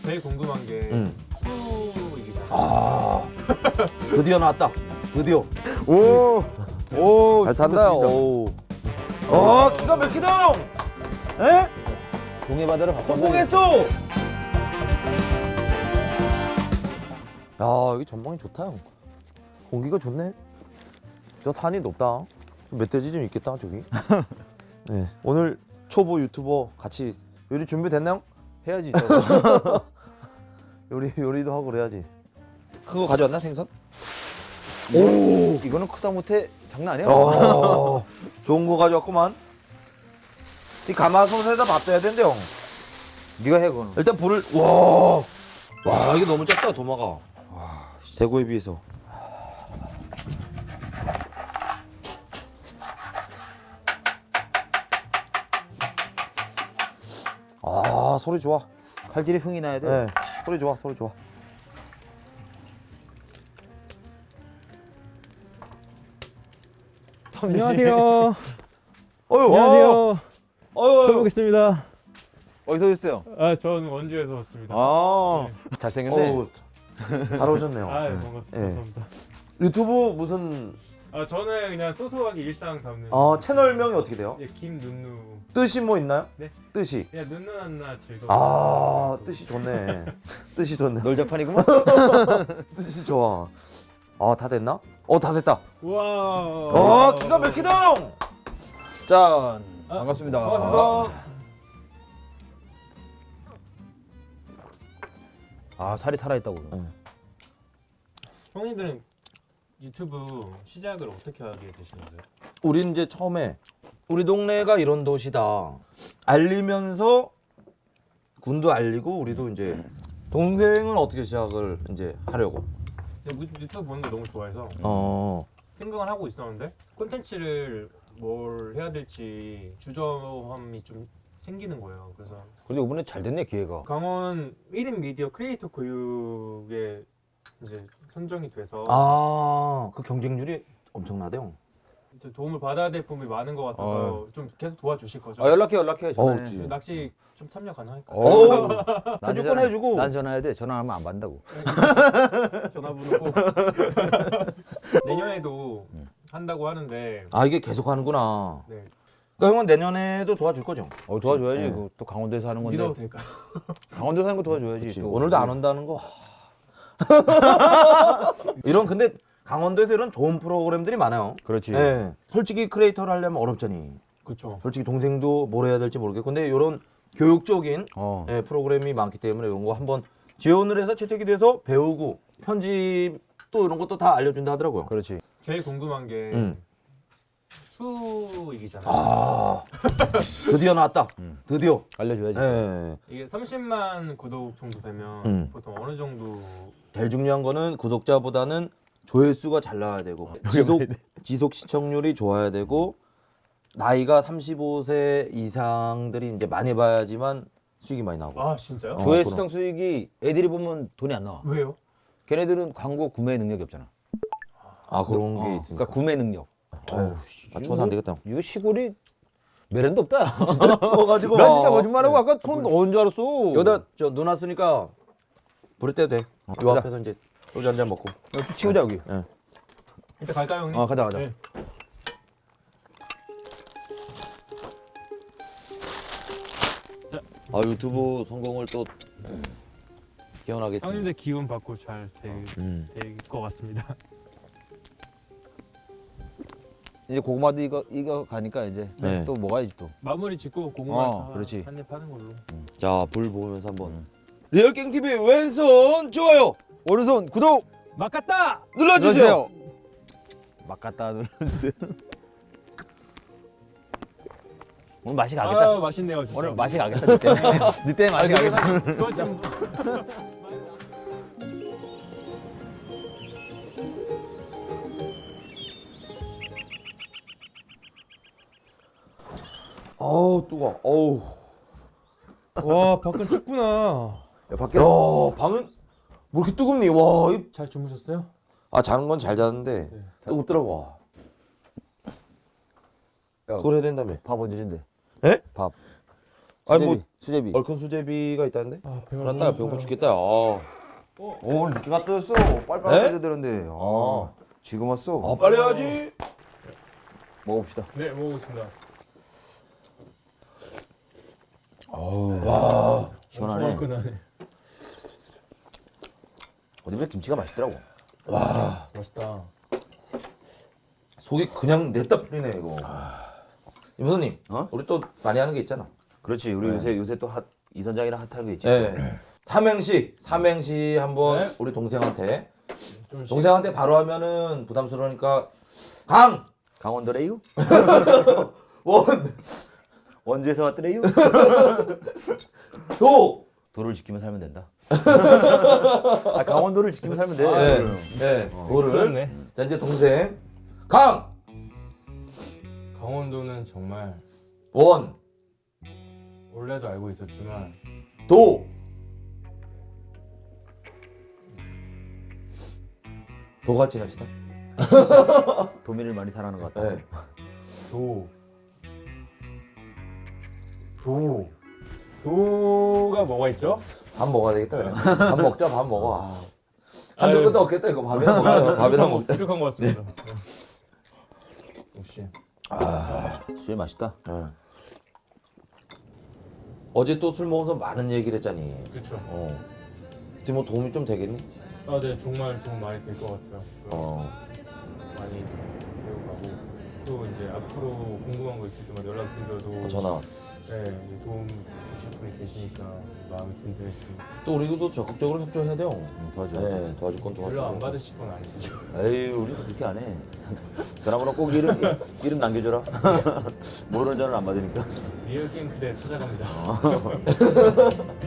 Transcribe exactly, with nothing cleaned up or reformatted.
제일 궁금한 게 응. 수익이잖아요. 아 드디어 나왔다. 드디어. 오, 오, 잘 탄다. 오. 아 기가 막히다. 에? 동해 바다를 바꿨어. 성공했어. 야 여기 전망이 좋다 형. 공기가 좋네. 저 산이 높다. 멧돼지 좀 있겠다 저기. 네 오늘 초보 유튜버 같이 요리 준비됐나요? 해야지. 저거. 요리 요리도 하고 그래야지. 그거 가져왔나 생선? 오, 이거는 크다 못해 장난 아니야. 어, 좋은 거 가져왔구만. 이 가마솥에다 밥 떠야 된대 형. 네가 해 그거는. 일단 불을 와, 와 이게 너무 작다 도마가. 와, 대구에 비해서. 아 소리 좋아. 칼질이 흥이 나야 돼. 네, 소리 좋아, 소리 좋아. 안녕하세요. 어유, 안녕하세요. 어유, 처음 뵙겠습니다. 어디서 오셨어요? 아, 전 원주에서 왔습니다. 아, 네. 잘생겼네. 어우, 잘 오셨네요. 아, 네. 반갑습니다. 네. 감사합니다. 유튜브 무슨 아, 저는 그냥 소소하게 일상 담는 어 채널명이 어떻게 돼요? 예, 김눈누. 뜻이 뭐 있나요? 네. 뜻이. 그냥 눈누 한나 즐거워. 아 뜻이 좋네. 뜻이 좋네. 놀자판이구만. 뜻이 좋아. 아 다 됐나? 어 다 됐다. 우와. 어 기가 막히다. 짠. 아, 반갑습니다. 반갑습니다. 아, 살이 살아있다고. 네. 형님들은 유튜브 시작을 어떻게 하게 되신 거예요? 우린 이제 처음에 우리 동네가 이런 도시다 알리면서 군도 알리고 우리도 이제 동생은 어떻게 시작을 이제 하려고. 근데 유- 유튜브 보는 거 너무 좋아해서 어. 생각을 하고 있었는데 콘텐츠를 뭘 해야 될지 주저함이 좀 생기는 거예요. 그래서 그래도 이번에 잘 됐네 기회가. 강원 일 인 미디어 크리에이터 교육에 이제 선정이 돼서 아그 경쟁률이 엄청나대 형. 이제 도움을 받아야 될 부분이 많은 것 같아서 좀 계속 도와주실 거죠? 아, 연락해 연락해. 어우, 전화해. 지- 낚시 좀 참여 가능할까요? 어우, 난 해줄 건 전화- 해주고. 난 전화해야 돼. 전화하면 안 받는다고. 전화번호 꼭 내년에도 한다고 하는데 아 이게 계속 하는구나. 네. 그러니까 형은 내년에도 도와줄 거죠? 어, 도와줘야지. 네. 그거 또 강원도에서 하는 건데. 믿어도 될까요? 강원도에서 하는 거 도와줘야지. 그치. 또. 오늘도 안 온다는 거. 이런 근데 강원도에서 이런 좋은 프로그램들이 많아요. 그렇지. 예. 솔직히 크리에이터를 하려면 어렵잖니. 그렇죠. 솔직히 동생도 뭘 해야 될지 모르겠고 근데 이런 교육적인 어. 예, 프로그램이 많기 때문에 이런 거 한번 지원을 해서 채택이 돼서 배우고 편집 또 이런 것도 다 알려준다 하더라고요. 그렇지. 제일 궁금한 게 음. 수익이잖아요. 아 드디어 나왔다. 음. 드디어. 알려줘야지. 예. 이게 삼십만 구독 정도 되면 음. 보통 어느 정도 제일 중요한 거는 구독자보다는 조회수가 잘 나와야 되고 지속 지속 시청률이 좋아야 되고 나이가 삼십오 세 이상들이 이제 많이 봐야지만 수익이 많이 나오고. 아 진짜요? 어. 조회 그럼. 수당 수익이 애들이 보면 돈이 안 나와. 왜요? 걔네들은 광고 구매 능력이 없잖아. 아 그런 게 어, 있으니까. 그러니까 구매 능력. 어우, 맞춰서 안 되겠다. 이거 시골이 매련도 없다. 추워가지고. 나 진짜 거짓말하고 아까 손 넣은 줄 알았어. 여기다 저 눈 왔으니까 불을 떼도 돼. 요 가자. 앞에서 이제 소주 한 잔 먹고. 여기 치우자 여기. 예. 일단 갈까요 형님? 어, 가자, 가자. 네. 아 유튜브 성공을 또 기원하겠습니다. 형님들 기운 받고 잘 될 음. 것 같습니다. 이제 고구마도 이거 이거 가니까 이제 네. 또 먹어야지 또. 마무리 짓고 고구마 어, 그렇지. 한입 하는 걸로. 자, 불 보면서 한번. 리얼갱 티비 왼손 좋아요 오른손 구독 막 갔다! 눌러주세요. 막 갖다 눌러주세요. 오늘 맛이 가겠다. 아 맛있네요 진짜. 오늘 맛이 가겠다. 니 때문에. 니 때문에 맛이 가겠다. 그거 좀 어우 뜨거. 어우. 와 밖은 춥구나. 야, 밖에 야 방은 뭐 이렇게 뜨겁니? 와. 이... 잘 주무셨어요? 아 자는 건 잘 자는데 네. 뜨겁더라고. 야, 그걸 해야 된다며. 밥 언제 준대? 에? 밥. 아니 뭐 수제비. 얼큰 수제비가 있다는데? 아 배가 그렇다 배고파 죽겠다. 아. 오, 오늘 늦게 갔다 왔어. 빨리빨리 에? 해야 되는데. 아, 지금 왔어. 아 빨리 해야지. 먹어봅시다. 네 먹었습니다. 와. 시원하네. 얼큰하네. 어디보다 김치가 맛있더라고. 와. 맛있다. 속이 그냥 냈다 풀리네 이거. 임선님, 어? 우리 또 많이 하는 게 있잖아. 그렇지. 우리 네. 요새 요새 또 핫, 이선장이랑 핫한 게 있지. 네. 삼행시, 삼행시 한번 네. 우리 동생한테. 좀 동생한테 바로 하면은 부담스러우니까 강, 강원도래요? 원, 원주에서 왔더래요? 도. 도를 지키면 살면 된다. 아, 강원도를 지키면 살면 돼. 네, 네. 도를. 그렇네. 자 이제 동생 강, 강원도는 정말 원, 원래도 알고 있었지만 도. 도가 지나치다. 도민을 많이 사랑하는 것 같다. 네. 도. 도. 도가 뭐가 있죠? 밥 먹어야 되겠다 그래. 밥 먹자 밥 먹어. 아. 아유. 한두 끝도 없겠다 이거 밥이랑 먹자. 밥이랑 먹자. 부족한 것 같습니다. 네. 역시. 수제 맛있다. 네. 어제 또 술 먹어서 많은 얘기를 했잖니. 그렇죠. 어. 어떻게 뭐 도움이 좀 되겠니? 아, 네 정말 도움 많이 될 것 같아요. 어. 많이 배워가고 또 이제 앞으로 궁금한 거 있을 때마다 연락드려도 어, 전화. 네 이제 도움 주실 분이 계시니까 마음이 든든했습니다. 또 우리도 적극적으로 협조해야 돼요. 음, 도와줘. 네, 도와줄 건 도와줘. 연락 안 받으실 건 아니시죠? 에이, 우리도 그렇게 안 해. 전화번호 꼭 이름 이름 남겨줘라. 모르는 전화를 안 받으니까. 리얼 게임 그대 찾아갑니다.